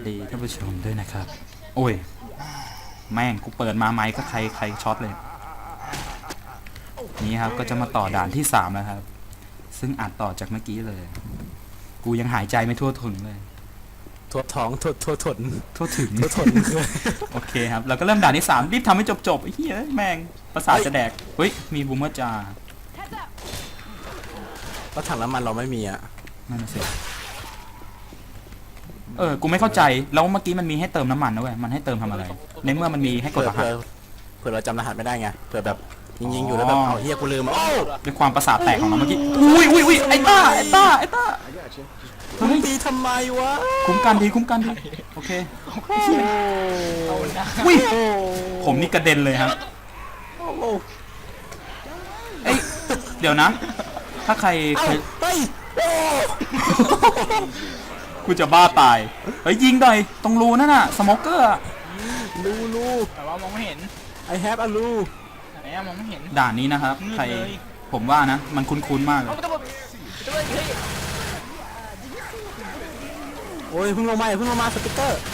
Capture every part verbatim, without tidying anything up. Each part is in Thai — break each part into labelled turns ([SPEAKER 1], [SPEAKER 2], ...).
[SPEAKER 1] ดีท่านผู้ชมด้วยนะครับโอ้ยแม่งกูเปิดมาไมค์ก็ใครใครช็อตเลยนี่ครับก็จะมาต่อด่านที่สามแล้วครับซึ่งอัดต่อจากเมื่อกี้เลยกูยังหายใจไม่ทั่วถึงเลย
[SPEAKER 2] ทั่วท้องทั่วทั่วทน
[SPEAKER 1] ทั่วถึง
[SPEAKER 2] ทั่วทน
[SPEAKER 1] โอเคครับเราก็เริ่มด่านที่สามรีบทำให้จบจบไอ้เหี้ยแม่งประสาทจะแดกเฮ้ยมีบูมเมอร์จ่า
[SPEAKER 2] แล้วถังน้ำมันเราไม่มีอ่ะ
[SPEAKER 1] นั่นสิเออกูไม่เข้าใจแล้วเมื่อกี้มันมีให้เติมน้ำมันนะเว้ยมันให้เติมทำอะไรในเมื่อมันมีให้กดรหัส
[SPEAKER 2] เผื่อเราจำรหัสไม่ได้ไงเผื่อแบบยิงๆอยู่แล้วแบบเอาเฮียกูลืมโอ้
[SPEAKER 1] ด้วยความประสาทแตกของเราเมื่อกี้อุ้ยอุ้ยอุ้ยไอ้ต้าไอ้ต้าไอ้ต้า
[SPEAKER 2] เฮ้ยตีทำไมวะ
[SPEAKER 1] คุ้มกันดีคุ้มกันดีโอเคอุ้ยผมนี่กระเด็นเลยครับเอ้ยเดี๋ยวนะถ้าใครเคยกูจะบ้าตายเฮ้ยยิงหน่อยตรงรูนั่นน่ะสโมเกอร์
[SPEAKER 2] รูรู
[SPEAKER 3] แต่ว่ามองไม่เห็น
[SPEAKER 2] I have a รู
[SPEAKER 3] ไหนมองไม่เห็น
[SPEAKER 1] ด่านนี้นะครับใครผมว่านะมันคุ้นๆมากเลย
[SPEAKER 2] โอ้ยเพิ่งลงมาเพิ่งลงมาสติ๊กเกอร์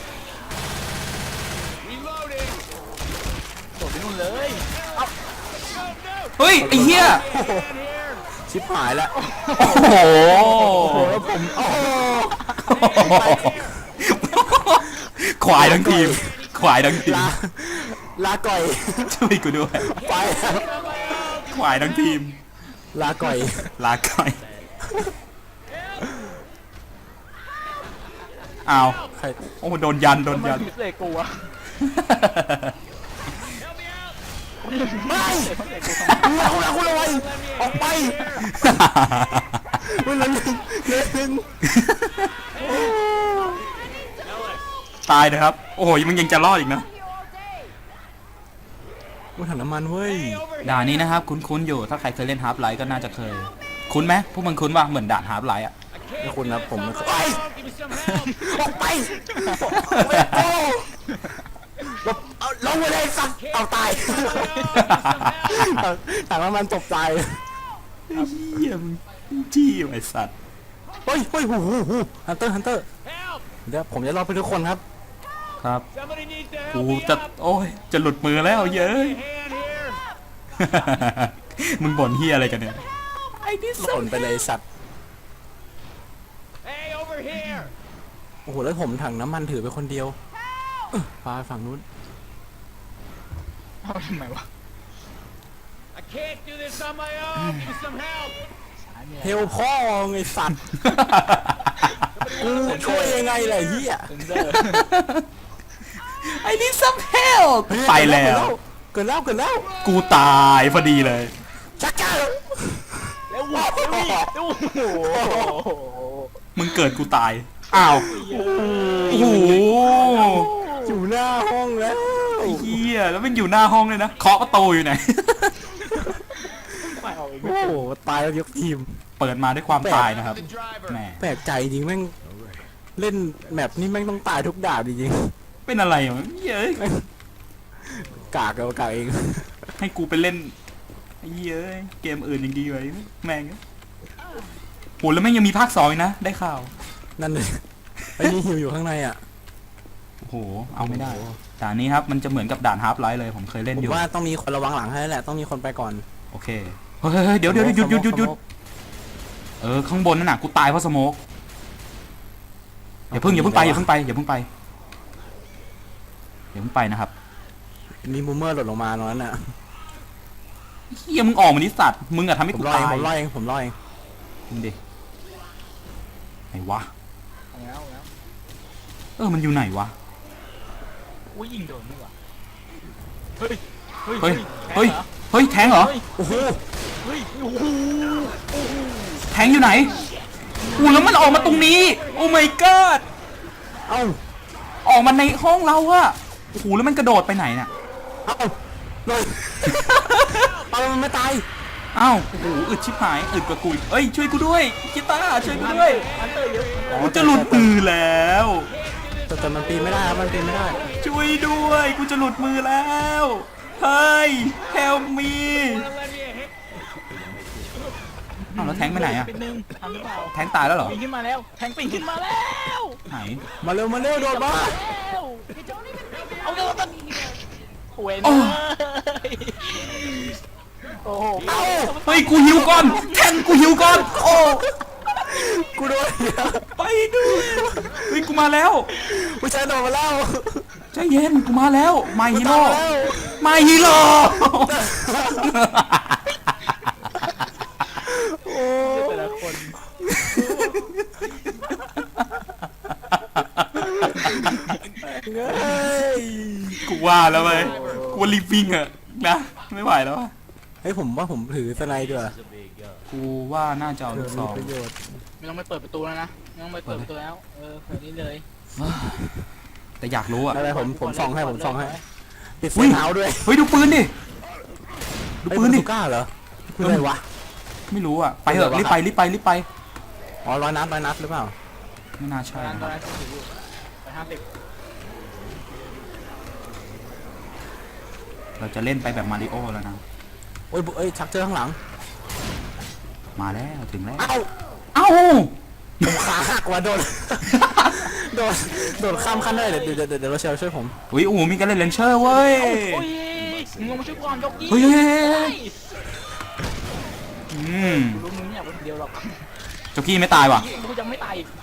[SPEAKER 3] โดดไปนู่นเลย
[SPEAKER 1] เฮ้ยไอ้เหี้ย
[SPEAKER 2] ชิบหายแล้ว
[SPEAKER 1] โอ้โห
[SPEAKER 2] ผม
[SPEAKER 1] ควายทั้งทีมควายทั้งทีม
[SPEAKER 2] ลาก่อย
[SPEAKER 1] ช่วยกูด้วย
[SPEAKER 2] ไป
[SPEAKER 1] ควายทั้งทีม
[SPEAKER 2] ลาก่อย
[SPEAKER 1] ลาก่อยอ้าวโอ้โดนยันโดนยัน
[SPEAKER 3] เลยกูอะ
[SPEAKER 2] ไม่คุณละคุณละวันออกไปคุณละหนึ่งหนึ่ง
[SPEAKER 1] ตายนะครับโอ้โหมึงยังจะรอดอีกนะ
[SPEAKER 2] กูถังน้ำมันเว้ย
[SPEAKER 1] ด่านนี้นะครับคุ้นๆอยู่ถ้าใครเคยเล่นฮาร์ปไลท์ก็น่าจะเคยคุ้นไหมพวกมึงคุ้นว่าเหมือนด่านฮาร์ปไลท์อะ
[SPEAKER 2] ไม่คุ้นนะผมไม่เคยไปออกไปเอาลงไปเลยสัตว์เอาตายถังน้ำมันตกใจ
[SPEAKER 1] เฮียมึงจี้ไอ้สัตว์
[SPEAKER 2] เฮ้ยเฮ้ยหูหูหูฮันเตอร์ฮันเตอร์เดี๋ยวผมจะรอไปทุกคนครับ
[SPEAKER 1] ครับกูจะโอ้ยจะหลุดมือแล้วเย้ยมึงบ่นเฮียอะไรกันเนี่ย
[SPEAKER 2] ไอ้นี่บ่นไปเลยสัตว์โอ้โหแล้วผมถังน้ำมันถือไปคนเดียวพาฝั่งนู้น
[SPEAKER 3] เอาทำไมวะ
[SPEAKER 2] เฮลพ่อไงสัตว์กูช่วยยังไงล่ะเฮีย
[SPEAKER 1] ไอ้นี่ซัมเฮลไปแล้ว
[SPEAKER 2] เกิดแล้วเกิดแล้ว
[SPEAKER 1] กูตายพอดีเลย
[SPEAKER 2] ชักเจ้า
[SPEAKER 3] แล้วว้าวโอ้โห
[SPEAKER 1] มึงเกิดกูตายอ้าวโอ้โห
[SPEAKER 2] อยู่หน้าห้องแล้ว
[SPEAKER 1] ไอ้เหี้ยแล้วมันอยู่หน้าห้องเลยนะเคาะประตูอยู่ไหน
[SPEAKER 2] โอ้โหตายแล้วยกทีม
[SPEAKER 1] เปิดมาด้วยความตายนะครับแหม
[SPEAKER 2] แปลกใจจริงแม่งเล่นแมปนี่แม่งต้องตายทุกด่านจริง
[SPEAKER 1] เป็นอะไรวะเย้ย
[SPEAKER 2] กากเอากากเอง
[SPEAKER 1] ให้กูไปเล่นเย้ยเกมอื่นยังดีไว้แม่งโหแล้วแม่งยังมีภาคสองนะได้ข่าว
[SPEAKER 2] นั่นเลยไอ้นี่หิวอยู่ข้างในอ่ะ
[SPEAKER 1] โอ้โหเอาไม่ได้ด่านนี้ครับมันจะเหมือนกับด่านฮาร์ปไลท์เลยผมเคยเล่นอยู่
[SPEAKER 2] ผมว่าต้องมีคนระวังหลังให้แหละต้องมีคนไปก่อน
[SPEAKER 1] โอเคเฮ้ยเดี๋ยวเดี๋ยวหยุดหยุดหยุดหยุดเออข้างบนนั่นน่ะกูตายเพราะสโมกอย่าเพิ่งอย่าเพิ่งไปอย่าเพิ่งไปอย่าเพิ่งไปอย่าเพิ่งไปนะครับ
[SPEAKER 2] มีบูมเมอร์หล่นลงมาตรงนั้นน่ะ
[SPEAKER 1] เฮียมึงออกมาดิสัตว์มึงอะทำให้กูตาย
[SPEAKER 2] ผมรอเองผมรอเอง
[SPEAKER 1] มึงดิไหนวะเออมันอยู่ไหนวะ
[SPEAKER 3] อุ้ยยิงโดนนี่วะ
[SPEAKER 1] เฮ้ยเฮ้ยเฮ้ยเฮ้ยแทงเหรอ
[SPEAKER 2] โอ้โห
[SPEAKER 3] เฮ้ยโอ้โห
[SPEAKER 1] แทงอยู่ไหนอู้แล้วมันออกมาตรงนี้โอ้ my god
[SPEAKER 2] เอ้า
[SPEAKER 1] ออกมาในห้องเราอะโอ้โหแล้วมันกระโดดไปไหนเนี่ย
[SPEAKER 2] เอ้าเลยเอามันไม่ตาย
[SPEAKER 1] อ้าวโอ้โหอึดชิบหายอึดกว่ากูเอ้ยช่วยกูด้วยกีตาร์ช่วยกูด้วยกูจะหลุดมือแล้ว
[SPEAKER 2] แต่แต่มันปีนไม่ได้ครับมันปีนไม่ได้
[SPEAKER 1] ช่วยด้วยกูจะหลุดมือแล้วเฮ้ย help me อ้าวแล้วแทงไปไหนอะ
[SPEAKER 3] เป็นหนึ่งทำหรือเปล่า
[SPEAKER 1] แทงตายแล้วเหรอ
[SPEAKER 3] ปีนขึ้นมาแล้วแทงปีนขึ้นมาแล้ว
[SPEAKER 1] ไหน
[SPEAKER 2] มาเร็วมาเร็วโดดมา
[SPEAKER 3] แล้วเอาเร็วตันโอ้ย
[SPEAKER 1] โอ้
[SPEAKER 3] โอ้โห
[SPEAKER 2] เอ้า
[SPEAKER 1] เฮ้ยกูหิวก่อนแทงกูหิวก่อนโอ้
[SPEAKER 2] กูโดนเหี้ย
[SPEAKER 1] ไปด้วยเฮ้ยกูมาแล้ว
[SPEAKER 2] ผู้ชายโดดมาแล้ว
[SPEAKER 1] ใจเย็นกูมาแล้วมาฮีโร่
[SPEAKER 2] กูตามแล้ว
[SPEAKER 1] มาฮีโร่
[SPEAKER 2] โอ้
[SPEAKER 3] แต่ละคน
[SPEAKER 2] เฮ้ย
[SPEAKER 1] กูว่าแล้วไปกูว่ารีบวิ่งอะนะไม่ไหวแล้วอะ
[SPEAKER 2] เฮ้ยผมว่าผมถือสไนด์ด้วย
[SPEAKER 1] กูว่าน่าจะเอาลูกซ
[SPEAKER 2] มี
[SPEAKER 1] อง
[SPEAKER 2] ประโยชน์
[SPEAKER 3] ไม่ต้องไปเปิดประตูแล้วนะไม่ต้องไปเปิดประตูแล้วเออเปิดนี่เลย
[SPEAKER 1] แต่อยากรู้อะ
[SPEAKER 2] อะไรผมผมส่องให้ผมส่องให้ปิดไฟ
[SPEAKER 1] อุ๊ย
[SPEAKER 2] เท้าด้วย
[SPEAKER 1] เฮ้ยดูปืนดิดูปืนดิ
[SPEAKER 2] เฮ้ยมัก้าเหรอคืออะไรวะ
[SPEAKER 1] ไม่รู้อะไปเถอะ
[SPEAKER 2] เออวะ
[SPEAKER 1] รีบไปรีบไปรีบไป
[SPEAKER 2] อ๋อร้อยนัดร้อยนัดหรือเปล่า
[SPEAKER 1] ไม่น่า
[SPEAKER 3] ตอ
[SPEAKER 1] ใช่
[SPEAKER 3] นนั้น
[SPEAKER 1] นะ
[SPEAKER 3] ตอนนั้นถืออยู่ไปห้าสิบ
[SPEAKER 1] เราจะเล่นไปแบบมาริโอแล้วนะ
[SPEAKER 2] โอ้ยเอ้ยชักเจอข้างหลัง
[SPEAKER 1] มาแล้วถึงแล้ว
[SPEAKER 2] เอ้า
[SPEAKER 1] เอ้า
[SPEAKER 2] ผมขาหักว่ะโดน โดนโดนข้ามขั้นได้เดี๋ยวเดี๋ยวเดี๋ยวเดี๋ยวเราเชลช่วยผม
[SPEAKER 1] อุ้ยอูมีการเล่นเลนเชอร์เว้ย
[SPEAKER 3] โอ้ยมึงลงมาช่วยก่อนยกยี่
[SPEAKER 1] เฮ้ยเฮ้ยเฮ้ยเฮ้ย อืม
[SPEAKER 3] รู้มึงไม่อยากเป็นคนเดียวหรอก
[SPEAKER 1] เจ้ากี้ไม่ตายว่ะ
[SPEAKER 3] กูจะไม่ตายอีก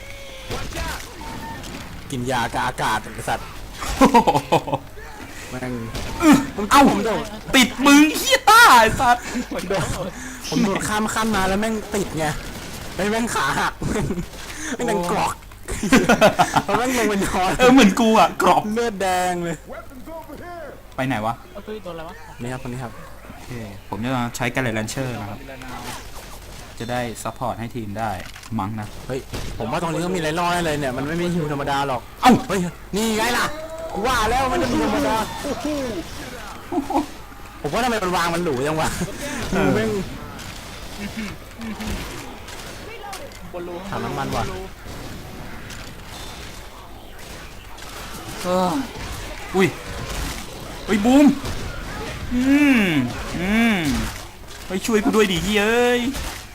[SPEAKER 2] กินยากบอากาศไอ้สัตว์แม่ง
[SPEAKER 1] เอ้า
[SPEAKER 2] ผมโดด
[SPEAKER 1] ติดมึงเฮียต้าไอ้สัส
[SPEAKER 2] โดดผมโดดข้ามขั้นมาแล้วแม่งติดไงแล้วแม่งขาหักแม่งดังกรอกแล้วแม่งลงไปนอน
[SPEAKER 1] เออเหมือนกูอ่ะกรอบ
[SPEAKER 2] เลือดแดงเลย
[SPEAKER 1] ไปไหนวะ
[SPEAKER 3] เอ้ยโดนอะไรวะ
[SPEAKER 2] นี่ครับคนนี้ครับ
[SPEAKER 1] โอเคผมจะใช้การเล่นเลนเชอร์นะครับ จะได้ซัพพอร์ตให้ทีมได้มั้งนะ
[SPEAKER 2] เฮ้ยผมว่าตรงนี้ก็มีอะไรรอดเลยเนี่ยมันไม่มีฮิวธรรมดาหรอก
[SPEAKER 1] เอ้า
[SPEAKER 2] เฮ้ยนี่ไงล่ะกูว่าแล้วมันจะมีธรรมดาผมว่าทำไมมันวางมันหรูจังวะฮิวแม่ง
[SPEAKER 3] บนรู
[SPEAKER 2] ถังน้ำมันว่ะ
[SPEAKER 1] เอออุ้ยอุ้ยบูมอืมอืมไปช่วยกูด้วยดิเฮ้ย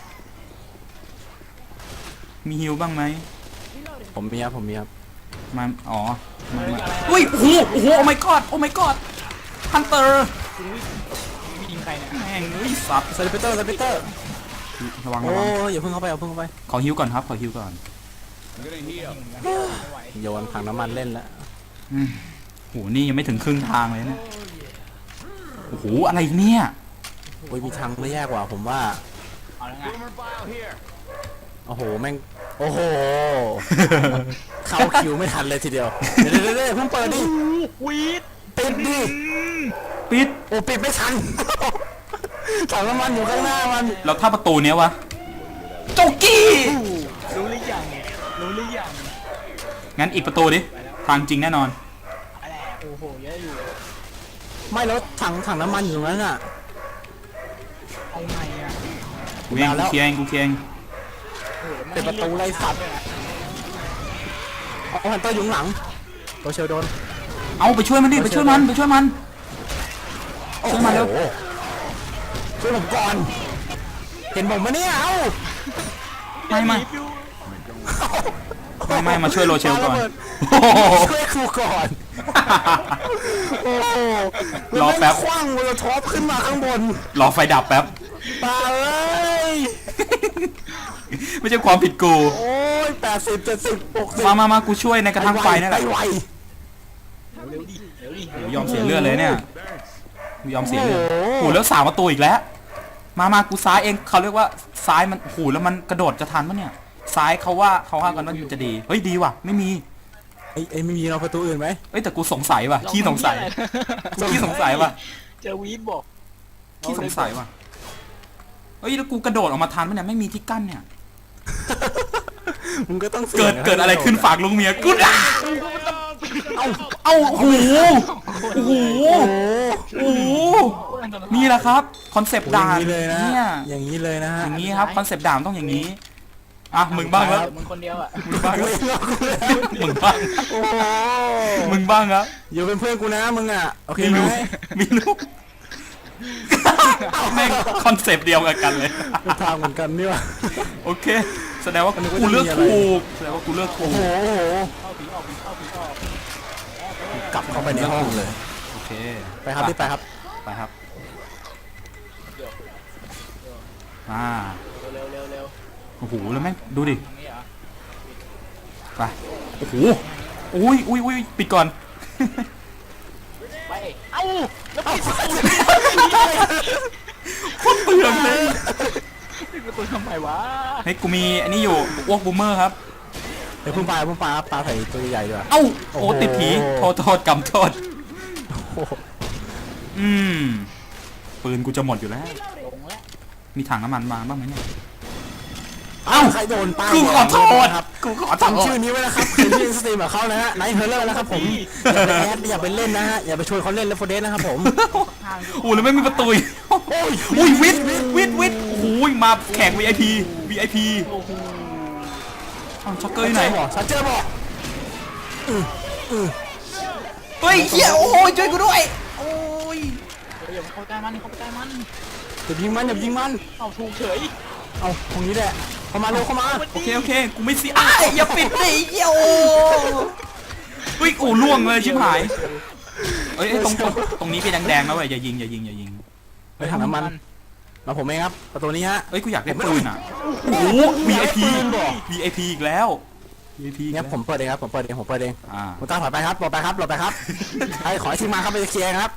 [SPEAKER 1] มีฮิวบ้างไหม
[SPEAKER 2] ผมมีครับผมมีครับ
[SPEAKER 1] มาอ๋อมามาอุ้ยโอ้โหโอ้โหโอ้ my god โอ้ my god ฮันเตอร์
[SPEAKER 3] มียิงใครเนี่ย
[SPEAKER 1] แม่งเฮ้ยสับ
[SPEAKER 2] สลิปเตอร์สลิปเตอร์
[SPEAKER 1] ระวัง
[SPEAKER 2] โอ้
[SPEAKER 1] ระวัง
[SPEAKER 2] ยอย่าเพิ่งเข้าไปอย่าเพิ่งเข้าไป
[SPEAKER 1] ขอฮิวก่อนครับขอฮิวก่อน
[SPEAKER 3] ไม่ไหว
[SPEAKER 2] โยนถังน้ำมันเล่นแล้ว
[SPEAKER 1] อืมโหนี่ยังไม่ถึงครึ่งทางเลยนะโอ้โหอะไรเนี่ย
[SPEAKER 2] โอ้ยมีทางไม่แย่กว่าผมว่า
[SPEAKER 3] เอาแล้วไง
[SPEAKER 2] โอ้โหแม่งโอ้โห เข้าคิวไม่ทันเลยทีเดียวเดี๋ยวเดี๋ยวเดี๋ยวเพิ่งเปิดดิ
[SPEAKER 3] วีด
[SPEAKER 2] ปิดดิ
[SPEAKER 1] ปิด
[SPEAKER 2] โอ้ปิดไม่ทัน ถังน้ำมันอยู่ข้างหน้ามัน
[SPEAKER 1] แล้วถ้าประตูเนี้ยวะโจกี้
[SPEAKER 3] รู้หรือยังรู้หรือยัง
[SPEAKER 1] งั้นอีกประตูดิทางจริงแน่นอน
[SPEAKER 3] อะไรโอ้โหเยอะอยู่
[SPEAKER 2] ไม่แล้วถังถังน้ำมันอยู่ตรงนั้นอ่ะ
[SPEAKER 3] เอาไงอ่ะ
[SPEAKER 1] กูเอง
[SPEAKER 2] มาแล้
[SPEAKER 1] กู
[SPEAKER 2] ว
[SPEAKER 1] เคลียร์เองกูเคลียร์เอง
[SPEAKER 3] โอ้โห
[SPEAKER 2] ปิดประตูไล่สัตว์เอาฮันเตอร์อยู่ข้างหลังตัวเชลโดน
[SPEAKER 1] เอาไปช่วยมันดิไปช่วยมันไปช่วยมัน ช่วยมาเร็ว
[SPEAKER 2] โอ้โหช่วยผมก่อน เห็นผมไหมเนี่ยเอ้า
[SPEAKER 1] ไม่ไม่ไม่ไม่มาช่วยโรเชลก่อน
[SPEAKER 2] ปาระเบิด
[SPEAKER 1] โอ้โห
[SPEAKER 2] ช่วยครูก่อน โอ้โห
[SPEAKER 1] รอแป๊บ
[SPEAKER 2] ล้วม่งคว้างโมโลท็อปขึ้นมาข้างบน
[SPEAKER 1] รอไฟดับแป๊บ
[SPEAKER 2] ตาเอ้ย
[SPEAKER 1] ไม่ใช่ความผิดกู
[SPEAKER 2] โอ้ยแปดสิบเจ็ดสิบหกสิบ
[SPEAKER 1] มามามากูช่วยในกระทั่งไฟนั่นแหละ
[SPEAKER 2] ไปไว
[SPEAKER 3] เร็วดิเร็วดิ
[SPEAKER 1] โอ้ยอมเสียเลือดเลยเนี่ยกูยอมเสียเลือด
[SPEAKER 2] โอ้โห
[SPEAKER 1] โอ้โหแล้วสามประตูอีกแล้ว มามากูซ้ายเองเขาเรียกว่าซ้ายมันโอ้โหแล้วมันกระโดดจะทันปะเนี่ย ซ้ายเขาว่าเขาว่ากันว่ามันจะดี เฮ้ยดีว่ะไม่มี
[SPEAKER 2] ไอ้ไอ้ไม่มีเราประตูอื่นไหม
[SPEAKER 1] เอ้ยแต่กูสงสัยว่ะขี้สงสัยกูขี้สงสัยว่ะ
[SPEAKER 3] เจอวีดบอก
[SPEAKER 1] ขี้สงสัยว่ะเฮ้ยแล้วกูกระโดดออกมาทันปะเนี่ยไม่มีที่กั้นเนี่ย
[SPEAKER 2] มึงก็ต้องสี่ยง
[SPEAKER 1] เกิดเกิดอะไรขึ้นฝากลุงเมียกูด่าเอาเอาโอ้โหโอ้โห
[SPEAKER 2] โอ้โห
[SPEAKER 1] โอ้โหนี่แหละครับคอนเซปต์
[SPEAKER 2] อย่า
[SPEAKER 1] ด่าง น
[SPEAKER 2] นี้เลยนะ
[SPEAKER 1] เนี่ย
[SPEAKER 2] อย่างนี้เลยนะฮะ
[SPEAKER 1] อย่างนี้ครับคอนเซปต์ด่านต้องอย่างนี้อ่ะมึงบ้างครับ
[SPEAKER 3] มึงคนเดียวอ่ะ
[SPEAKER 1] มึงบ้างครับ
[SPEAKER 2] เว้ยเรากูแล้ว
[SPEAKER 1] มึงบ้าง
[SPEAKER 2] โอ้โห
[SPEAKER 1] มึงบ้างครับ
[SPEAKER 2] อยู่เป็นเพื่อนกูนะมึงอ่ะโอเค
[SPEAKER 1] ไม่
[SPEAKER 2] ไหม
[SPEAKER 1] รู้ไม่รู้แม่งคอนเซปต์เดียวกันเลย
[SPEAKER 2] เป็นทางเหมือนกันนี่วะ
[SPEAKER 1] โอเค แสดงว่า
[SPEAKER 2] อันนี้ก็
[SPEAKER 1] กูเลือก
[SPEAKER 2] จะมีอะไร
[SPEAKER 1] ถูกแสดงว่ากูเลือกถู
[SPEAKER 2] โอ้
[SPEAKER 1] ก
[SPEAKER 2] โหโอ้โห
[SPEAKER 3] เข้าผีออกผีเข้าผีออก
[SPEAKER 2] กลับเข้าไปในห้องเลย
[SPEAKER 1] โอเค
[SPEAKER 2] ไปครับที่ไปครับ
[SPEAKER 1] ไปครับอ่า
[SPEAKER 3] เร็วเร็วเร็ว
[SPEAKER 1] โอ้โหแล้วแม่งดูดิ
[SPEAKER 3] ตรงนี้เหรอ
[SPEAKER 1] ไปโอ้โหอุ้ยอุ้ยอุ้ยปิดก่อน
[SPEAKER 3] ไปเอ้าแล้วปิดประตู
[SPEAKER 1] โคตรเปลืองเลย
[SPEAKER 3] ปิดประตูทำไมวะ
[SPEAKER 1] เฮ้ยกูมีอันนี้อยู่อ้วกบูมเมอร์ครับ
[SPEAKER 2] เดี๋ยวเพิ่งปลาเพิ่งปลาปลาใส่ตัวใหญ่ๆดีกว่า
[SPEAKER 1] เอ้าโอ้
[SPEAKER 2] โอ้โห
[SPEAKER 1] ติดผีโทษโทษกำโทษ
[SPEAKER 2] โอ้โห
[SPEAKER 1] อืมปืนกูจะหมดอยู่แล้ว
[SPEAKER 3] ลงแล้ว
[SPEAKER 1] มีถังน้ำมันมาบ้างไหมเนี่ย
[SPEAKER 2] เอ้าใครโดนป้าย
[SPEAKER 1] กูขอโทษ
[SPEAKER 2] ครับ
[SPEAKER 1] กูขอโทษ
[SPEAKER 2] จำชื่อนี้ไว้นะครับใครที่เล่นสตรีมกับเขานะฮะไนท์เฮอร์เลอร์นะครับผมอย่าไปแอดอย่าไปเล่นนะฮะอย่าไปชวนเขาเล่นเลฟโฟเดสนะครับผม
[SPEAKER 3] ทาง
[SPEAKER 1] โอ้แล้วไม่มีประตูอีกอุ้ยวิทย์วิทย์วิทย์โอ้ยมาแขก วี ไอ พี วี ไอ พี
[SPEAKER 3] โอ้โห
[SPEAKER 1] อ้าวช็อกเกอร์อยู่ไหน
[SPEAKER 2] ชัดเจอบอก
[SPEAKER 1] เฮ้ยเฮียโอ้ยช่วยกูด้วยโอ้ย
[SPEAKER 3] เดี๋ยวอย่าเข้าใกล้มันเข้าใกล้มัน
[SPEAKER 2] อย่ายิงมันอย่ายิงมัน
[SPEAKER 3] เอาถูกเฉย
[SPEAKER 2] เอาตรงนี้แหละเข้ามาเร็วเข้ามา
[SPEAKER 1] โอเคโอเคกูไม่เสียอ้ายอย่าปิดดิเฮียโอ้เฮ้ยโอ้ล่วงเลยชิบหายเอ้ยเอ้ยตรงตรงตรงนี้เป็นแดงๆนะเว้ยอย่ายิงอย่ายิงอย่ายิง
[SPEAKER 2] ไปถังน้ำมันมาผมเองครับประตูนี้ฮะ
[SPEAKER 1] เอ้ยกูอยากได้ปืนอ่ะโอ้โห วี ไอ พี วี ไอ พี อีกแล้ว วี ไอ พี อีก
[SPEAKER 2] เนี่
[SPEAKER 1] แล้
[SPEAKER 2] ยว ผมเปิดเองครับผมเปิดเองผมเปิดเอง
[SPEAKER 1] อ่า
[SPEAKER 2] ผมตามถอยไปครับหลบไปครับหลบไปครับไอ้ขอให้ทีมมาครับไปเคลียร์ครับ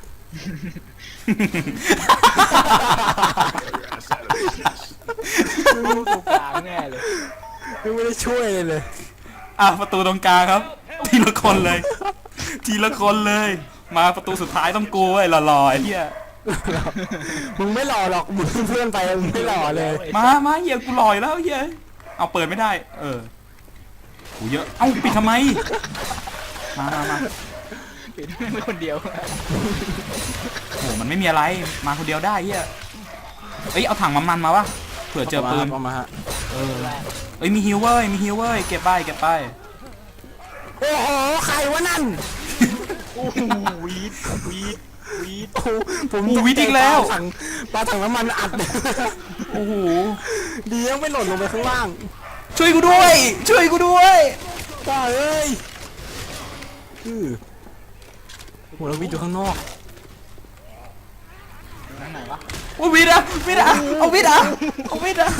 [SPEAKER 3] ตรงกลางแน่เลย
[SPEAKER 2] ไม่ได้ช่วยเลยเลย
[SPEAKER 1] อ่ะประตูตรงกลางครับ ทีละคนเลย ทีละคนเลย มาประตูสุดท้ายต้องกูไอ้ยหล่อๆไอ้เหี้ย
[SPEAKER 2] มึงไม่หล่อหรอกมึงเพื่อนไปมึงไม่หล่อเลย
[SPEAKER 1] มามาเหี้ยกูหล่ออยู่แล้วเหี้ยเอาเปิดไม่ได้ เออกูเยอะเอ้าปิดทำไมมามามา
[SPEAKER 3] ปิดไม่คนเดียว
[SPEAKER 1] โอ้มันไม่มีอะไรมาคนเดียวได้เหี้ยเอ้ยเอาถังน้ำมันมาวะเผื่อเจอปืน
[SPEAKER 2] เอามาฮะ
[SPEAKER 1] เออเอ้ยมีฮิวเว้ยมีฮิวเว้ยเก็บไปเก็บไป
[SPEAKER 2] โอ้โหใครวะนั่น
[SPEAKER 3] โอ้โหวีดวีดวีด
[SPEAKER 2] โอ้โหผม
[SPEAKER 1] โอ้วิทย์อีกแล้ว
[SPEAKER 2] ปาถังปลาถังน้ำมันอัด
[SPEAKER 1] โอ้โห
[SPEAKER 2] ดียังไม่หล่นลงไปข้างล่าง
[SPEAKER 1] ช่วยกูด้วย ช่วยกูด้วย
[SPEAKER 2] ป้าเอ้ยอือโหแล้ววิทย์อยู่ข้างนอก
[SPEAKER 3] ทางไหนวะ
[SPEAKER 1] โอ้วิทย์อะวิทย์อะเอาวิทย์อะเอาวิทย์อะ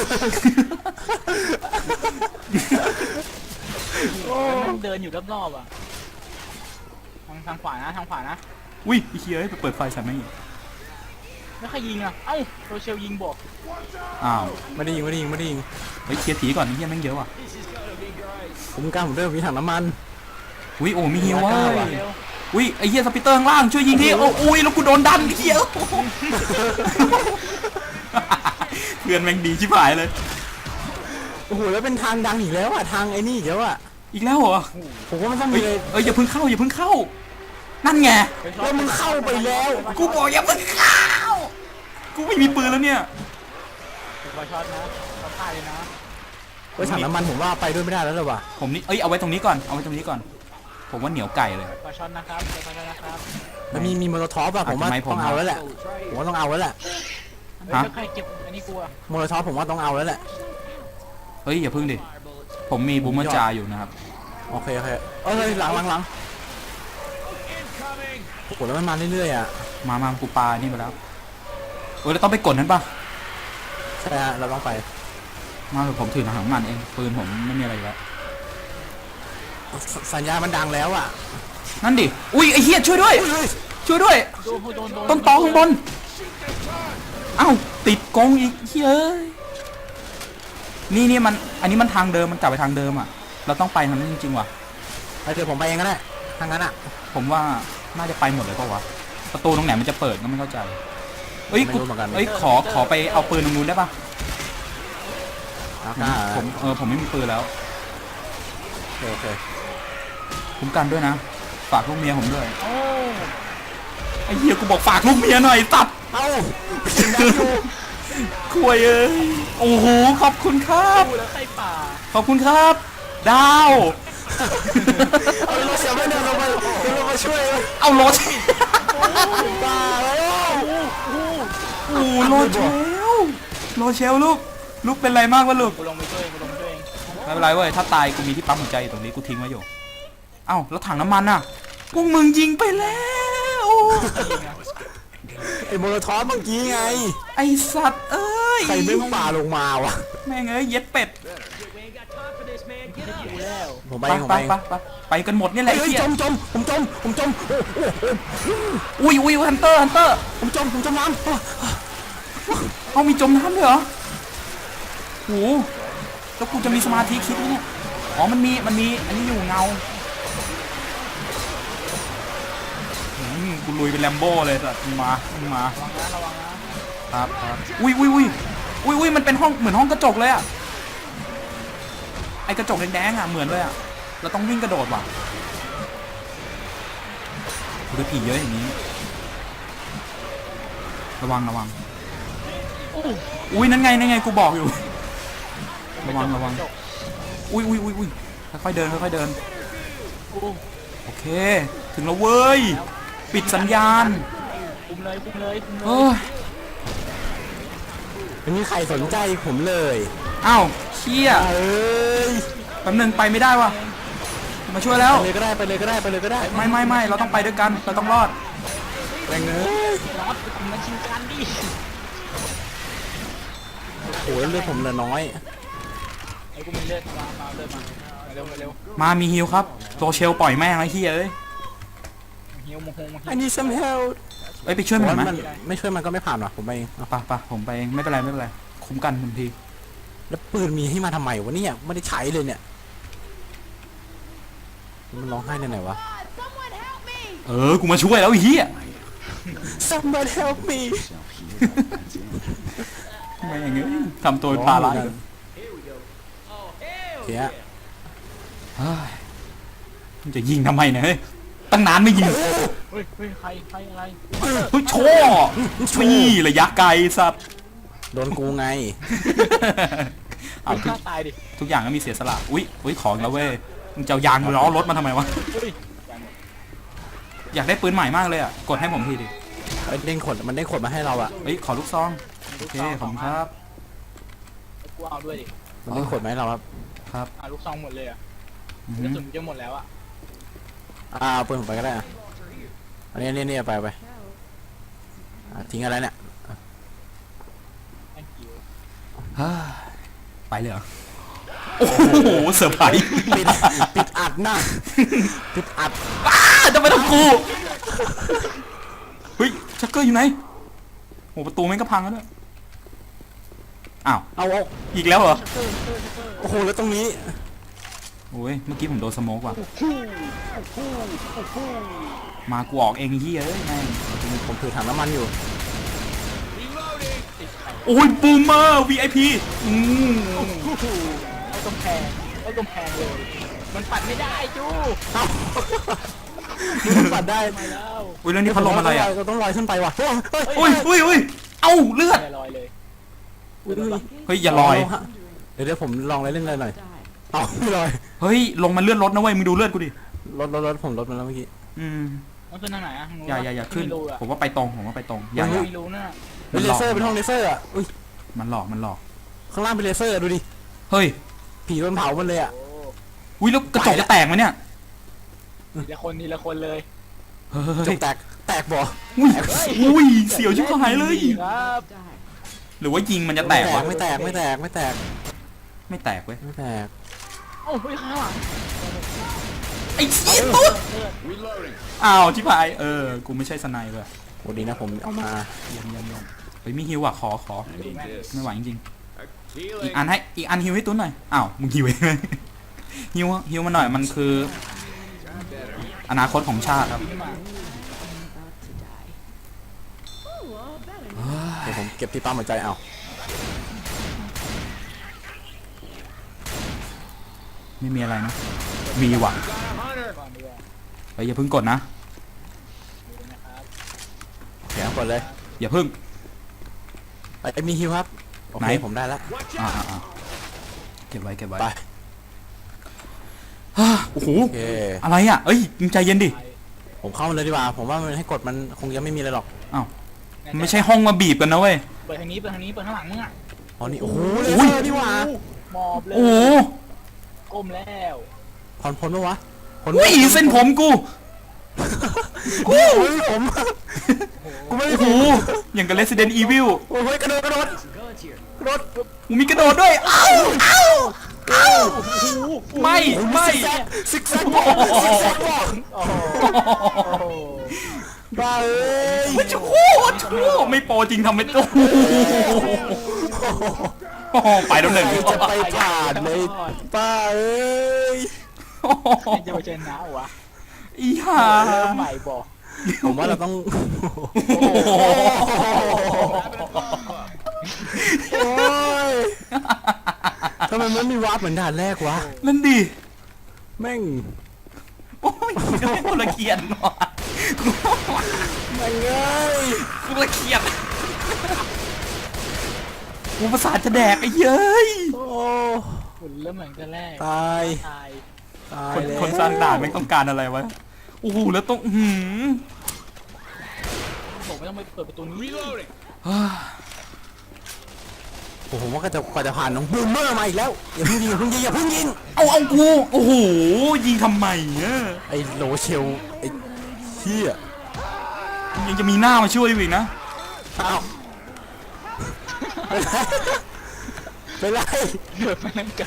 [SPEAKER 3] มันเดินอยู่รอบๆอ่ะทางทางขวานะทางขวานะ
[SPEAKER 1] อุ้ยไอ้เฮียเอ้ยไปเปิดไฟใส่ไหมง
[SPEAKER 3] ไม่ใครยิงอ่ะเอ้าโรเชลยิงบอก
[SPEAKER 1] อ้าว
[SPEAKER 2] ไม่ได้ยิงไม่ได้ยิงไม่ได้ยิง
[SPEAKER 1] เฮ้ยเคลียร์ผีก่อนไอ้เฮียแม่งเยอะว่ะ
[SPEAKER 2] ผมกล้าผมเริ่มมีถังน้ำมัน
[SPEAKER 1] อุ้ยโอ้มีฮิวเว้ย
[SPEAKER 3] เร็ว
[SPEAKER 1] อุ้ยไอ้เฮียสปิเตอร์ข้างล่างช่วยยิงทีโอ้อุ้ยแล้วกูโดนดันไอ้เฮียโอ้โหเพื่อนแม่งดีชิบหายเลย
[SPEAKER 2] โอ้โหแล้วเป็นทางดังอีกแล้วอ่ะทางไอ้นี่อีกแล้วอ่ะ
[SPEAKER 1] อีกแล้วเหรอ
[SPEAKER 2] ผมว่ามันต้อง
[SPEAKER 1] เฮ้
[SPEAKER 2] มี
[SPEAKER 1] ย
[SPEAKER 2] เลย
[SPEAKER 1] เอ้ยอย่าเพิ่งเข้าอย่าเพิ่งเข้า นั่นไง
[SPEAKER 2] แล้วมึงเข้าไปแล้ว
[SPEAKER 1] กูบอกอย่าเพิ่งเข้ากูไม่มีปืนแล้วเนี่ย
[SPEAKER 3] บอช็อตนะช็อตตายเลยนะ
[SPEAKER 2] เฮ้ยถังน้ำมันผมว่าไปด้วยไม่ได้แล้วเลยว่ะ
[SPEAKER 1] ผมนี่เอ้ยเอาไว้ตรงนี้ก่อนเอาไว้ตรงนี้ก่อน ผมว่าเหนียวไก่เลย
[SPEAKER 3] บอช็อตนะครับบอช็อตนะครับ
[SPEAKER 2] แล้วมีมีโมโลท็อปอะผมว่า
[SPEAKER 1] ทำไมผม
[SPEAKER 2] ต้องเอาแล้วแหละผมว่าต้องเอาแล้วแหละ
[SPEAKER 3] เฮ้ยใครเก็บอันนี้กลัว
[SPEAKER 2] โมโลท็อปผมว่าต้องเอาแล้วแหละ
[SPEAKER 1] เฮ้ยอย่าเพิ่งดิผมมีบูมเมอร์จาอยู่นะครับ
[SPEAKER 2] โอเคโอเคเอ้ยหลังหลังหลังโอ้โหแล้วมันมาเรื่อยๆอ่ะ
[SPEAKER 1] มามากูปานี่ไปแล้วเออแล้วต้องไปกดนั้นปะ
[SPEAKER 2] ใช่ฮะเราต้องไป
[SPEAKER 1] มาเถอะผมถือหนังมันเองปืนผมไม่มีอะไรอยู่แล้ว
[SPEAKER 2] สสัญญาณมันดังแล้วอ่ะ
[SPEAKER 1] นั่นดิอุ้ยไอ้เหี้ยช่วยด้วย
[SPEAKER 2] เฮ้ย
[SPEAKER 1] ช่วยด้วย
[SPEAKER 3] โดนโดนโดน
[SPEAKER 1] ต้นตอข้างบนเอ้าติดกรงอีกเฮ้ยนี่นี่มันอันนี้มันทางเดิมมันกลับไปทางเดิมอ่ะเราต้องไปทางนั้นจริงๆว่ะ
[SPEAKER 2] ไปเดี๋ยวผมไปเองก็ได้ทางนั้นอ่ะ
[SPEAKER 1] ผมว่าน่าจะไปหมดเลยเปล่าวะประตูตรงไหนมันจะเปิดก็ไม่เข้าใจเอ้ย
[SPEAKER 2] ไม่
[SPEAKER 1] กู
[SPEAKER 2] รู้เหมือนกัน
[SPEAKER 1] เอ้ยขอขอไปเอาปืนตรงนู้นได้ปะ
[SPEAKER 2] อ่ะ
[SPEAKER 1] ผมผมเออผมไม่มีปืนแล้ว
[SPEAKER 2] โอเคโอเค
[SPEAKER 1] คุ้มกันด้วยนะฝากลูกเมียผมด้วย
[SPEAKER 3] โอ้
[SPEAKER 1] ไอ้เหี้ยกูบอกฝากลูกเมียหน่อยตัด
[SPEAKER 2] เอ้ายิงได้อยู่
[SPEAKER 1] คุยเอ้ยโอ้โหขอบคุณครับ
[SPEAKER 3] ดูแล้วใครป่า
[SPEAKER 1] ขอบคุณครับ ดาว
[SPEAKER 2] เอาเราเสียไม่เดินลงมาเรามาช่วยเลย
[SPEAKER 1] เอารถ
[SPEAKER 2] บ้าแล้ว
[SPEAKER 1] โอ้โรเชลโรเชลลูกลูกเป็นไรมากวะลูก
[SPEAKER 3] กูลงไปช่วยกูลงไปช่วยเอง
[SPEAKER 1] ไม่เป็นไรเว้ยถ้าตายกูมีที่ปั๊มหัวใจอยู่ตรงนี้กูทิ้งไว้อยู่เอ้าแล้วถังน้ำมันน่ะพวกมึงยิงไปแล้ว
[SPEAKER 2] ไอ้โมโลทอฟเมื่อกี้ไง
[SPEAKER 1] ไอสัตว์เอ้ย
[SPEAKER 2] ใครเด้งป่าลงมาวะ
[SPEAKER 1] แม่งเอ้ยเย็ดเป็ด
[SPEAKER 3] กูแล้ว
[SPEAKER 2] ผม
[SPEAKER 1] ไป
[SPEAKER 2] ไปผม
[SPEAKER 1] ไป
[SPEAKER 2] ไป
[SPEAKER 1] ไปไปไปกันหมดเนี่ยแหละ
[SPEAKER 2] เฮ้
[SPEAKER 1] ไอ้
[SPEAKER 2] ย
[SPEAKER 1] เหี้ย
[SPEAKER 2] จมจมผมจมผมจมโอ้โห
[SPEAKER 1] อุ้ยอุ้ยฮันเตอร์ฮันเตอร์
[SPEAKER 2] ผมจมผมจมน้ำ
[SPEAKER 1] เอามีจมน้ำด้วยเหรอโหแล้วกูจะมีสมาธิคิดไหมเนี่ยอ๋อมันมีมันมีอันนี้อยู่เงาอืมกูลุยเป็นแลมโบ้เลยสัตว์มึงมามึงมา
[SPEAKER 3] ระวังนะระวังนะครับ
[SPEAKER 1] ครับอุ้ยอุ้ยอุ้ยอุ้ยอุ้ยมันเป็นห้องเหมือนห้องกระจกเลยอะไอกระจกแดงๆอะเหมือนเลยอะเราต้องวิ่งกระโดดว่ะคือผีเยอะอย่างนี้ระวังระวังอุ้ยนั่นไงนั่นไงกูบอกอยู่ระวังระวังอุ้ยอุ้ยอุ้ยอุ้ยค่อยๆเดินค่อยๆเดิน
[SPEAKER 3] กู
[SPEAKER 1] โอเคถึงแล้วเว้ยปิดสัญญาณ
[SPEAKER 3] คุมเลยคุมเลยคุมเล
[SPEAKER 1] เฮ้
[SPEAKER 3] ย
[SPEAKER 1] ย
[SPEAKER 2] ไม่มีใครสนใจผมเลย
[SPEAKER 1] อ้าวเชี่ย
[SPEAKER 2] เอ้ย
[SPEAKER 1] แป๊บนึงไปไม่ได้ว่ะมาช่วยแล้ว
[SPEAKER 2] ไปเลยก็ได้ไปเลยก็ได้ไปเลยก็ได้
[SPEAKER 1] ไม่ไม่ไม่เราต้องไปด้วยกันเราต้องรอด
[SPEAKER 2] แรงเนื้อ
[SPEAKER 3] รอดคุมมาชิงกันดิ
[SPEAKER 2] โอ้ยเลือดผมเหลือน้อย
[SPEAKER 3] ไอ้กูมีเลือดมามาเลือดมาเร็วเร็ว
[SPEAKER 1] มามีฮิวครับโรเชลปล่อยแม่งไอ้เฮียเอ้ย
[SPEAKER 3] หิวโมโหโมโห
[SPEAKER 2] I need some help
[SPEAKER 1] เอ้ยไปช่วยมันหน่อยไหม
[SPEAKER 2] มันไม่ช่วยมันก็ไม่ผ่านว่ะผมไปเองเอา
[SPEAKER 1] ปะปะผมไปเองไม่เป็นไรไม่เป็นไรคุ้มกันทันที
[SPEAKER 2] แล้วปืนมีให้มาทำไมวะเนี่ยไม่ได้ใช้เลยเนี่ยมันร้องไห้ในไหนวะ
[SPEAKER 4] Someone help me!
[SPEAKER 1] เออกูมาช่วยแล้วไอ้เฮีย
[SPEAKER 2] Somebody help me
[SPEAKER 1] ไม่อย่างงี้ทำตัวเป็นปลาไหล
[SPEAKER 2] เสีย
[SPEAKER 1] เฮ้ยมันจะยิงทำไมเนี่ยเฮ้ยตั้งนานไม่ยิง
[SPEAKER 3] เฮ้ยเฮ้ยใครใครอะไร
[SPEAKER 1] เฮ้ยโชว์นี่ระยะไกลสัตว์
[SPEAKER 2] โดนกูไง
[SPEAKER 1] เอาทุก
[SPEAKER 3] ฆ่าตายดิ
[SPEAKER 1] ทุกอย่างก็มีเสียสละอุ้ยอุ้ยของแล้วเว้ยมึงจะเอายางล้อรถมาทำไมวะ
[SPEAKER 3] เฮ้ย
[SPEAKER 1] อยากได้ปืนใหม่มากเลยอ่ะกดให้ผมทีดิ
[SPEAKER 2] มันเด้งขดมันเด้งขดมาให้เราอะ
[SPEAKER 1] เฮ้ยขอลูกซองโอเคขอบคุณครับ
[SPEAKER 3] กูเอาด้วยดิ
[SPEAKER 2] มันเด้งขดมาให้เราครับ
[SPEAKER 1] ครับ
[SPEAKER 3] อ่ะลูกซองหมดเลยอ่ะ
[SPEAKER 1] อื
[SPEAKER 3] กระ
[SPEAKER 1] ม
[SPEAKER 3] สุนจะหมดแล้วอ่ะ
[SPEAKER 2] อ่าเอาปืนผมไปก็ได้อะอันนี้นี่นี่เอาไปเอาไปอ่ะทิ้งอะไรเนี่ย
[SPEAKER 3] แองกิว
[SPEAKER 1] เฮ้ยไปเลยเหรอโอ้โหเซอร์ไพรส์
[SPEAKER 2] ปิดปิดอัดหน้าปิดอัด
[SPEAKER 1] อ้าจะไปทำกูเฮ้ยชักเกอร์อยู่ไหนโอ้ประตูแม่งก็พังแล้วด้วยอ้าว
[SPEAKER 2] เอาเอา
[SPEAKER 1] อีกแล้วเหรอ
[SPEAKER 2] โอ้โหแล้วตรงนี้
[SPEAKER 1] โอ้ยเมื่อกี้ผมโดนสโมกว่ะมากูออกเองไอ้เฮียเอ้ยแม่ง
[SPEAKER 2] ผมถือถังน้ำมันอยู่
[SPEAKER 1] โอ้ยบูมเมอร์ วี ไอ พี อืม
[SPEAKER 3] เอากำแพงเอากำแพงเลย มันปัดไม่ได้จู
[SPEAKER 2] มันปัดได้
[SPEAKER 3] มาแล้ว
[SPEAKER 1] อุ้ยแล้วนี่พัดลมอะไรอ่ะ
[SPEAKER 2] เราต้องลอยขึ้นไปว่ะเฮ้ยเฮ้ย
[SPEAKER 1] อุ้ยอุ้ยอุ้ยเอ้าเลือด
[SPEAKER 3] ลอยเลย
[SPEAKER 2] อุ้ย
[SPEAKER 1] เฮ้ยอย่าลอย
[SPEAKER 2] เดี๋ยวเดี๋ยวผมลองเล่นเลยหน่อยเอาไม่ลอย
[SPEAKER 1] เฮ้ยลงมาเลือดรถนะเว้ยมึงดูเลือดกูดิ
[SPEAKER 2] รถรถรถผมรถมาแล้วเมื่อกี้
[SPEAKER 1] อืม
[SPEAKER 3] มันขึ้นทางไหนอ่ะ
[SPEAKER 1] อย่าอย่าอย่าขึ้น
[SPEAKER 3] ไม่รู้อ่ะ
[SPEAKER 1] ผมว่าไปตรงผมว่าไปตรงอย่าอย่า
[SPEAKER 3] ไม่รู้น่ะ
[SPEAKER 2] เป็นเลเซอร์เป็นห้องเลเซอร์อ่ะอุ้ย
[SPEAKER 1] มันหลอกมันหลอก
[SPEAKER 2] ข้างล่างเป็นเลเซอร์ดูดิ
[SPEAKER 1] เฮ้ย
[SPEAKER 2] ผีโดนเผาหมันเลยอ่ะ
[SPEAKER 3] โอ้
[SPEAKER 1] อุ้ยแล้วกระจกจะแตกไหมเนี่ย
[SPEAKER 3] ทีละคนทีละคนเลย
[SPEAKER 1] เฮ้
[SPEAKER 2] จ
[SPEAKER 1] ย
[SPEAKER 2] กแตกแตกบ่
[SPEAKER 1] อุ้ยอุ้ยเสียวชิบหายเลย
[SPEAKER 3] ครับ
[SPEAKER 1] หรือว่ายิงมันจะแตกวะ
[SPEAKER 2] ไม่แตกไม่แตกไม่แตก
[SPEAKER 1] ไม่แตกเว้ย
[SPEAKER 2] ไม่แตก
[SPEAKER 3] โอ้ยข้างหลัง
[SPEAKER 1] ไอ้เหี้ยตุ๊ดอ้าวชิบหายเออกูไม่ใช่สไนเปอร์
[SPEAKER 2] โอ้ดีนะผมเอามา
[SPEAKER 1] เยี่ยมเยี่ยมเยี่ยมเฮ้ยมีฮิวอ่ะขอขอไม่ไหวจริงๆอีกอันให้อีกอันฮิวให้ตุ้นหน่อยอ้าวมึงฮิวเองเลยฮิวฮิวมาหน่อยมันคือ อนาคตของชาติครับ
[SPEAKER 3] ขึ้นมา
[SPEAKER 2] เดี๋ยวผมเก็บที่ปั๊มหัวใจเอา
[SPEAKER 1] ไม่มีอะไรนะมีว่ะ
[SPEAKER 3] ก่อนดีกว่า
[SPEAKER 1] เฮ้ยอย่าเพิ่งกดนะ
[SPEAKER 3] ดูนะครับ
[SPEAKER 2] โอเคเอาก่อนเลย
[SPEAKER 1] อย่าเพิ่ง
[SPEAKER 2] ไอ้มีฮิวครับโอ
[SPEAKER 1] ไหน
[SPEAKER 2] เคผมได้แล้ว
[SPEAKER 1] อ่าอ่าอ่าเก็บไว้เก็บไว้
[SPEAKER 2] ไป
[SPEAKER 1] ฮ่าโอ้โห
[SPEAKER 2] โอเค
[SPEAKER 1] อะไรอ่ะเอ้ยมึงใจเย็นดิ
[SPEAKER 2] ผมเข้ามาเลยดีกว่าผมว่ามันให้กดมันคงยังไม่มีอะไรหรอก
[SPEAKER 3] ใน
[SPEAKER 1] มันไม่ใช่ห้องมาบีบกันนะเว้ย
[SPEAKER 3] เปิดทางนี้เปิดทางนี้เปิดข้างหลังมึงอ่ะ
[SPEAKER 2] อ๋อนี่โอ้โหเล
[SPEAKER 1] อุ้ย
[SPEAKER 2] เซอร์นี่หว่า
[SPEAKER 3] หมอบเลย
[SPEAKER 1] โอ้โห
[SPEAKER 3] ก้มแล้ว
[SPEAKER 2] ผ่อนพ้นปะวะพ้น
[SPEAKER 1] อุ้ยเส้นผมกู
[SPEAKER 2] กูไม่มีผมกูไม่มี
[SPEAKER 1] โอ้
[SPEAKER 2] ผ
[SPEAKER 1] โห
[SPEAKER 2] ม
[SPEAKER 1] อย่างกับ Resident Evil
[SPEAKER 2] โอ้ยกระโดดกระโดดกระโดด
[SPEAKER 1] กูมีกระโดดด้วยเอ้าเอ้าเอ้าไม่ไม่
[SPEAKER 2] ซิกแซกบอกซิกแซกบอก
[SPEAKER 3] โอ้โหโอ้โห
[SPEAKER 2] บ้าเอ้ย
[SPEAKER 1] ไม่ชูชูไม่โปรจริงทำไม่โอ้โหไปแล้วหนึ่ง
[SPEAKER 2] ใครจะไปผ่านเลยป้าเอ้ย
[SPEAKER 3] ใครจะไปชนะวะ
[SPEAKER 1] อีห่า
[SPEAKER 3] เริ่มใหม่บอก
[SPEAKER 2] ผมว่าเราต้อง
[SPEAKER 1] โอ้โห
[SPEAKER 2] โอ้ยทำไมมันมีวาร์ปเหมือนด่านแรกวะ
[SPEAKER 1] นั่นดิ
[SPEAKER 2] แม่ง
[SPEAKER 1] โอ้ยกูละเกียดว่ะ
[SPEAKER 2] แม่งเอ้ย
[SPEAKER 1] กูละเกียดกูประสาทจะแดกไอ้เย้ย
[SPEAKER 2] โอ้
[SPEAKER 3] คุณเริ่มเหมือนกันแรก
[SPEAKER 2] ตาย
[SPEAKER 3] ตาย
[SPEAKER 2] ตาย
[SPEAKER 1] คน
[SPEAKER 2] แล้ว
[SPEAKER 1] คนสร้างด่านไม่ต้องการอะไรวะโอ้โหแล้วต้องหืม
[SPEAKER 3] ผมไม่ต้องไปเปิดประตูนี้
[SPEAKER 2] โอ้โหว่าก็จะกว่าจะผ่านน้องบูมเมอร์มาอีกแล้วอย่าเพิ่งยิงอย่าเพิ่งยิงอย่าเพิ่งยิง
[SPEAKER 1] เอาเอากูโอ้โหยิงทำไมเนี่ย
[SPEAKER 2] ไอ้โลเชลไอ้เหี้ย
[SPEAKER 1] ยังจะมีหน้ามาช่วยอีกนะ
[SPEAKER 2] อ้าวไปไล่
[SPEAKER 3] เดินไปนั่งไกล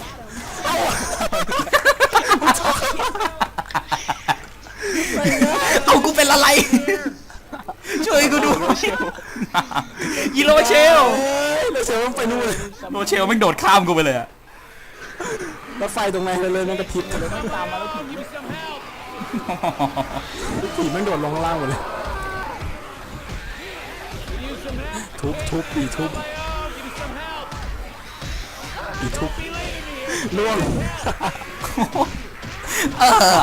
[SPEAKER 1] เอากูเป็นอะไร ช่วยกูดูยีโรเชล
[SPEAKER 2] เอ้ยโลเชลมันไปนู่นเลย
[SPEAKER 1] โรเชลแม่งโดดข้ามกูไปเลยอะ
[SPEAKER 2] รถไฟตรงไหนเลยมันกระพริบ
[SPEAKER 3] ไม่ตามมาแล้วถึง
[SPEAKER 2] ผีมันโดดลงข้างล่างหมดเลยทุบทุบปีทุบปีทุบล่วง
[SPEAKER 1] เออ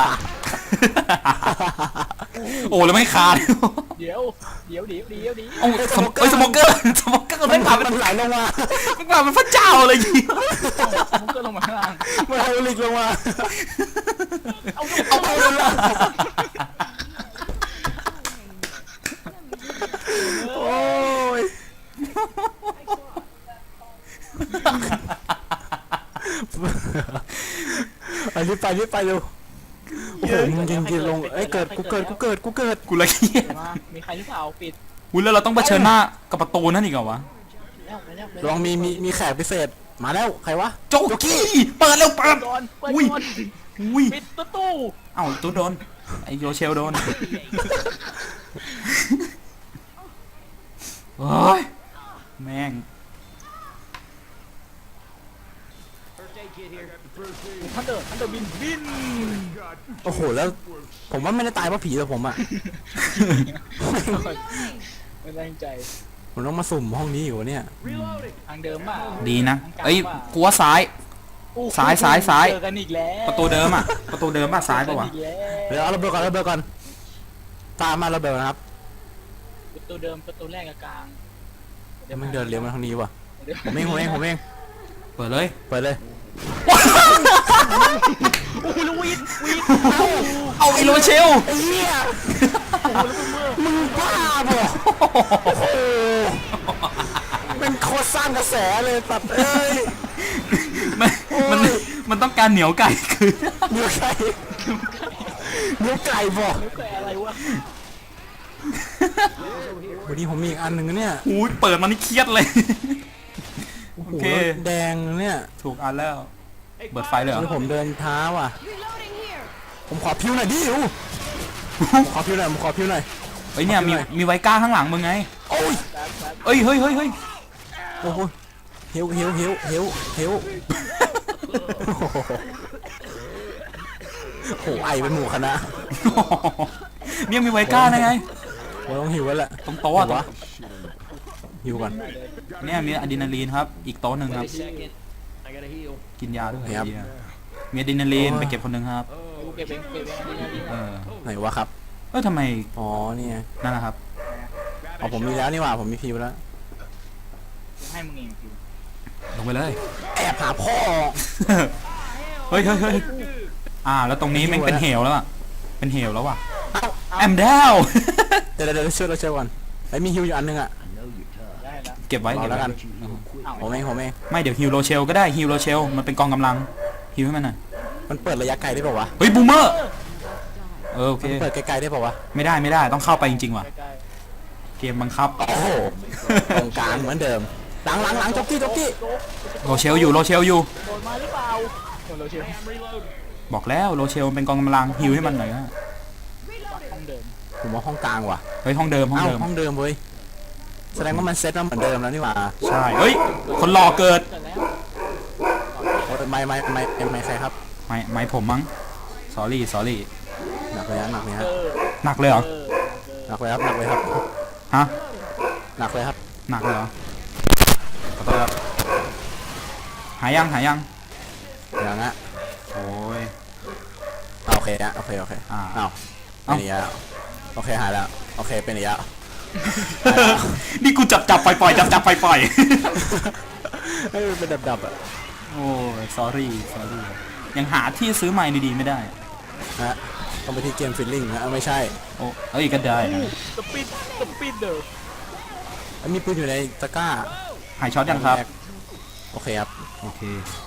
[SPEAKER 1] โอ้แล้วไม่ขาด
[SPEAKER 3] เดี๋ยวเดี๋ยวเดี๋ยวเดี๋ยวเดี๋ยว
[SPEAKER 1] โอ้สมเอ้ยสโมเกอร์สโมเกอร์
[SPEAKER 2] มั
[SPEAKER 1] ไม่
[SPEAKER 2] น
[SPEAKER 1] ผ่าน
[SPEAKER 2] มันไหลลงมา
[SPEAKER 1] ไม่ผ่านเป็นพระเจ้าเลยยิง
[SPEAKER 3] ผมก็ลงมาข้างล่าง
[SPEAKER 2] มันไฮดรอลิกลงมา
[SPEAKER 3] เอา
[SPEAKER 1] เอาไปเลยล่ะ
[SPEAKER 2] โอ้ยไปรีบไปรีบไปเร็วโอ้โหมึงยิงยิงลงเอ้ยเกิดกูเกิดกูเกิดกูเกิด
[SPEAKER 1] กูละเกียด
[SPEAKER 3] มามีใครหรือเปล่าปิด
[SPEAKER 1] อุ้ยแล้วเราต้องเผชิญหน้ากับประตูนั่นอีกเหรอวะ
[SPEAKER 3] แล้วไปแล้วไป
[SPEAKER 2] ลองมีมีมีแขกพิเศษมาแล้วใครวะ
[SPEAKER 1] โจกี้เปิดเร็วเปิด
[SPEAKER 3] ก่อนเปิด
[SPEAKER 1] อุ้ย
[SPEAKER 3] ก่อน
[SPEAKER 1] อุ้ย
[SPEAKER 3] ปิดประตู
[SPEAKER 1] เอ้าตัวโดนไอโยเชลโดนโอ้ยแม่ง
[SPEAKER 3] ทันเดอร์ทันเดอร์บินบิน
[SPEAKER 2] โอ้โหแล้วผมว่าไม่ได้ตายเพราะผีแต่ผมอะ
[SPEAKER 3] ไม่แรงใจ
[SPEAKER 2] ผมต้องมาสุ่มห้องนี้อยู่เนี่ย
[SPEAKER 3] ทางเดิมป่ะ
[SPEAKER 1] ดีนะ
[SPEAKER 3] ทางกลาง
[SPEAKER 1] เอ้ย
[SPEAKER 3] ป่ะ
[SPEAKER 1] กูว่าซ้าย
[SPEAKER 3] โอ้โห
[SPEAKER 1] ซ้ายซ้ายซ้าย
[SPEAKER 3] เจอกันอีกแล้ว
[SPEAKER 1] ประตูเดิมอ่ะประตูเดิมป่ะซ้ายป่ะวะ
[SPEAKER 3] เจอกันอีกแล้ว
[SPEAKER 2] เดี๋ยวเอาระเบิดก่อนระเบิดก่อนตามมาระเบิดนะครับ
[SPEAKER 3] ประตูเดิมประตูแรกกับกลาง
[SPEAKER 2] เดี๋ยวมันเดินเลี้ยวมาทางนี้ว่ะ
[SPEAKER 3] เดี๋ยว
[SPEAKER 2] ผมเองผมเองผมเอง
[SPEAKER 1] เปิดเลย
[SPEAKER 2] เปิดเลย
[SPEAKER 3] โอ้โหแล้ววีดวีด
[SPEAKER 1] เอาไอโรเชล
[SPEAKER 2] ไอ้เหี้ย
[SPEAKER 3] โอ้โหแล้วเมื่อ
[SPEAKER 2] มึงบ้าบ่โอ้โหเป็นโคตรสร้างกระแสเลยตัดเอ้ย
[SPEAKER 1] มันมันมันต้องการเหนียวไก่คือ
[SPEAKER 2] เนื้อไก่เนื้อไก่บ่
[SPEAKER 3] แล้วแต่อะไรวะ
[SPEAKER 2] วันนี้ผมมีอีกอันหนึ่งนะเนี่ย
[SPEAKER 1] หูยเปิดมานี่เครียดเลย
[SPEAKER 2] โอ้โห
[SPEAKER 1] โอเค
[SPEAKER 2] แดงเนี่ย
[SPEAKER 1] ถูกอันแล้ว เปิดไฟเลยเหรอ
[SPEAKER 2] นี่ผมเดินเท้าอ่ะ ผมขอพิวหน่อยดิวผมขอพิวหน่อยผมขอพิวหน่อย
[SPEAKER 1] เฮ้ยเนี่ยมีมีไวก้าข้างหลังมึงไง
[SPEAKER 2] โอ้ย
[SPEAKER 1] เอ้ยเฮ้ยเฮ้ยเฮ้ย
[SPEAKER 2] โอ้โหเฮวเฮวเฮวเฮวเฮวโอ้โหโหไอเป็นหมู่คณะ
[SPEAKER 1] เนี่ยมีไวก้าได้ไง
[SPEAKER 2] ผมต้องหิวแล้วแหละ
[SPEAKER 1] ตรงโต๊ะอะ
[SPEAKER 2] วะหิวก่อน
[SPEAKER 1] เนี่ยมีอะดรีนาลีนครับ อีกโต๊ะหนึ่งครับ กินยาด้วย
[SPEAKER 2] ครับ
[SPEAKER 1] เหี้ยมีอะดรีนาลีน
[SPEAKER 2] โอ้ย
[SPEAKER 1] ไปเก็บคนหนึ่งครับ
[SPEAKER 3] กูเก็บเองเก็บเองนี่นี่
[SPEAKER 1] เออ
[SPEAKER 2] ไหนวะครับ
[SPEAKER 1] เอ้ยทำไม
[SPEAKER 2] อ๋อเนี่ย
[SPEAKER 1] นั่นนะครับ
[SPEAKER 2] อ๋อผมมีแล้วนี่หว่าผมมีพิวแล้ว
[SPEAKER 3] ให้มึงเองคือ
[SPEAKER 1] ลงไปเลย
[SPEAKER 2] แอบหาพ่อ
[SPEAKER 1] เฮ้ยเฮ้ยเฮ้ยอ่า แล้วตรงนี้แม่งเป็นเหวแล้วอะเป็นเหวแล้วว่ะ
[SPEAKER 2] เอ้า
[SPEAKER 1] แอมดาว
[SPEAKER 2] เดี๋ยวเดี๋ยวเดี๋ยวช่วยเราช่วยก่อนไอ้ยมีฮิวอยู่อันนึงอ่ะ
[SPEAKER 3] ได้แล้ว
[SPEAKER 1] เก็บไว้
[SPEAKER 2] เอา
[SPEAKER 1] เก็บ
[SPEAKER 2] แล้ว
[SPEAKER 1] ไว้
[SPEAKER 2] กัน
[SPEAKER 3] อ้าว
[SPEAKER 2] ผมเองผมเอง
[SPEAKER 1] ไม่เดี๋ยวฮิวโรเชลก็ได้ฮิวโรเชลมันเป็นกองกำลังฮิวให้มันหน่อย
[SPEAKER 2] มันเปิดระยะไกลได้ป่าวะ
[SPEAKER 1] เฮ้ยบูมเมอร์เออโอเค
[SPEAKER 2] มันเปิดไกลๆได้ป่าวะ
[SPEAKER 1] ไม่ได้ไม่ได้ต้องเข้าไปจริงๆว่ะ
[SPEAKER 3] ใกล้
[SPEAKER 1] เกมบังคับ
[SPEAKER 2] โอ้โหตรงกลางเหมือนเดิมหลังหลังหลังจ็อกกี้จ็อกกี้
[SPEAKER 3] ๆโจ๊ก
[SPEAKER 1] โรเชลอยู่โรเชลอยู่
[SPEAKER 3] โดนมาหรือเปล่าโดนเราเชียว
[SPEAKER 1] บอกแล้วโรเชลเป็นกองกำลังฮิวให้มันหน่อยนะ
[SPEAKER 3] ห้องเดิม
[SPEAKER 2] ผมว่าห้องกลางว่ะ
[SPEAKER 1] เฮ้ยห้องเดิมห้อง
[SPEAKER 2] เอ้า
[SPEAKER 1] เดิม
[SPEAKER 2] ห้องเดิมเว้ยแสดงว่ามันเซ็ตมาเหมือนเดิมแล้วนี่หว่า
[SPEAKER 1] ใช่เฮ้ยคนหล่อเกิด
[SPEAKER 3] เกิดแล้ว
[SPEAKER 2] โอ้แต่ไม่ไม่ไม่ไม่ไม่ใครครับ
[SPEAKER 1] ไม่ไม่ผมมั้ง sorry sorry
[SPEAKER 2] หนักเลยนะหนักเลย
[SPEAKER 3] เอ
[SPEAKER 2] ฮะ
[SPEAKER 3] อ
[SPEAKER 1] หนักเลยเหรอ
[SPEAKER 3] เออ
[SPEAKER 2] หนักเลยครับหนักเลยครับ
[SPEAKER 1] ฮะ
[SPEAKER 2] หนักเลยครับ
[SPEAKER 1] หนักเลยเหรอขอโทษครับหายยังหายยัง
[SPEAKER 2] อย่างนะ
[SPEAKER 1] โอ้ย
[SPEAKER 2] อ่ะโอเคนะโอเคโอเค
[SPEAKER 1] อ่า
[SPEAKER 2] อ้าว
[SPEAKER 1] เอ้า
[SPEAKER 2] เป็นอย่างนี้แล้วโอเคหายแล้วโอเคเป็นอย่างนี้แล้ว
[SPEAKER 1] นี่กูจับจับปล่อยปล่อยจับจับปล่อยปล่อย
[SPEAKER 2] เฮ้ยมันเป็นดับๆอ่ะ
[SPEAKER 1] โอ้ย sorry sorry ยังหาที่ซื้อใหม่ดีๆไม่ได้
[SPEAKER 2] นะฮะต้องไปที่เกมฟิลลิ่งนะเอาไม่ใช่
[SPEAKER 1] โอ้เอ้ยก็ได้นะ
[SPEAKER 3] สปิดสปิดเดอร์
[SPEAKER 2] แล้วมีปืนอยู่ในตะกร้า
[SPEAKER 1] หายช็อตยังครับ
[SPEAKER 2] โอเคครับ
[SPEAKER 1] โอเค